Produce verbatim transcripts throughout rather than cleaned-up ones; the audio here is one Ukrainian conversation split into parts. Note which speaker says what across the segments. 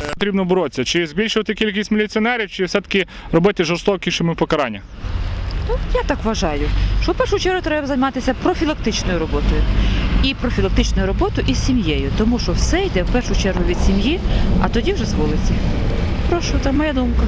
Speaker 1: потрібно боротися? Чи збільшувати кількість міліціонерів, чи все-таки робити жорстокішими покарання?
Speaker 2: Ну, я так вважаю, що в першу чергу треба займатися профілактичною роботою. І профілактичною роботою із сім'єю, тому що все йде в першу чергу від сім'ї, а тоді вже з вулиці. Прошу, це моя думка.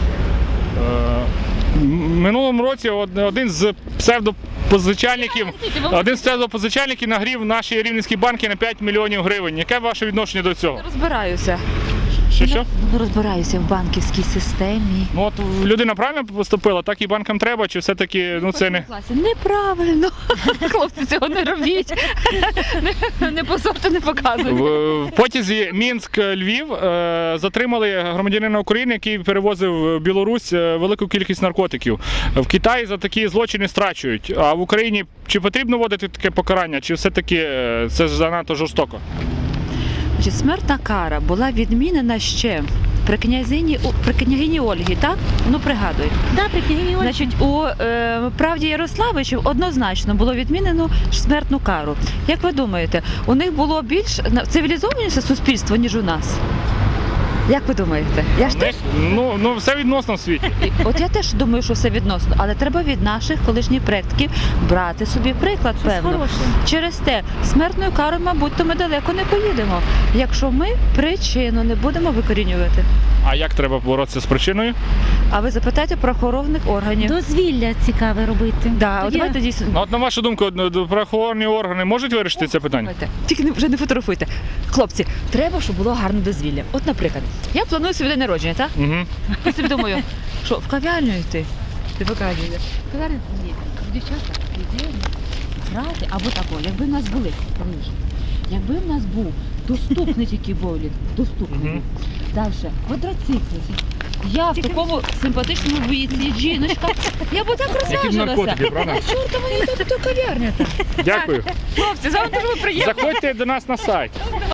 Speaker 1: В минулому році один з псевдопозичальників, один з псевдопозичальників нагрів наші рівненські банки на п'ять мільйонів гривень. Яке ваше відношення до цього?
Speaker 2: Розбираюся.
Speaker 1: Що, що?
Speaker 2: Ну, розбираюся в банківській системі.
Speaker 1: Ну, от людина правильно поступила, так і банкам треба, чи все-таки, ну, це не...
Speaker 2: Неправильно. Хлопці, цього не робіть. Не, не позорте, не показуйте.
Speaker 1: В, в потязі Мінськ-Львів е, затримали громадянина України, який перевозив в Білорусь е, велику кількість наркотиків. В Китаї за такі злочини страчують. А в Україні чи потрібно вводити таке покарання, чи все-таки е, це занадто жорстоко?
Speaker 2: Значить, смертна кара була відмінена ще при князині, при княгині Ольгі, так? Ну, пригадуй.
Speaker 3: Да, при княгині Ольгі.
Speaker 2: Значить, у е, правді Ярославичів однозначно було відмінено смертну кару. Як ви думаєте, у них було більш цивілізованіше суспільство, ніж у нас? Як ви думаєте? Я ж теж...
Speaker 1: Ну, ну, все відносно в світі.
Speaker 2: От я теж думаю, що все відносно, але треба від наших колишніх предків брати собі приклад, певно.
Speaker 3: Хороше.
Speaker 2: Через те, смертною карою, мабуть, то ми далеко не поїдемо, якщо ми причину не будемо викорінювати.
Speaker 1: А як треба боротися з причиною?
Speaker 2: А ви запитайте правоохоронних органів.
Speaker 3: Дозвілля цікаве робити.
Speaker 2: Да, от
Speaker 3: Тоді-
Speaker 2: давайте дійсно.
Speaker 1: Ну, от на вашу думку, правоохоронні органи можуть вирішити це питання?
Speaker 2: Слухайте, тільки не- вже не фотографуйте. Хлопці, треба, щоб було гарне дозвілля. От, наприклад, я планую собі день народження, так?
Speaker 1: Угу.
Speaker 2: Я собі думаю, що в кав'ярню йти? Ти показуєш. В кав'ярню ні. Дівчата, ідея грати або тако, якби в нас були, раніше, якби в нас був доступний тільки боулінг, доступний.
Speaker 1: Мгм.
Speaker 2: Далі, квадроцикли. Я в такому симпатичному віці, жіночка, я б так розважилася.
Speaker 1: правда?
Speaker 2: Чорта мені тут кав'ярня там.
Speaker 1: Дякую.
Speaker 2: Хлопці, завтра дуже приємно.
Speaker 1: Заходьте до нас на сайт.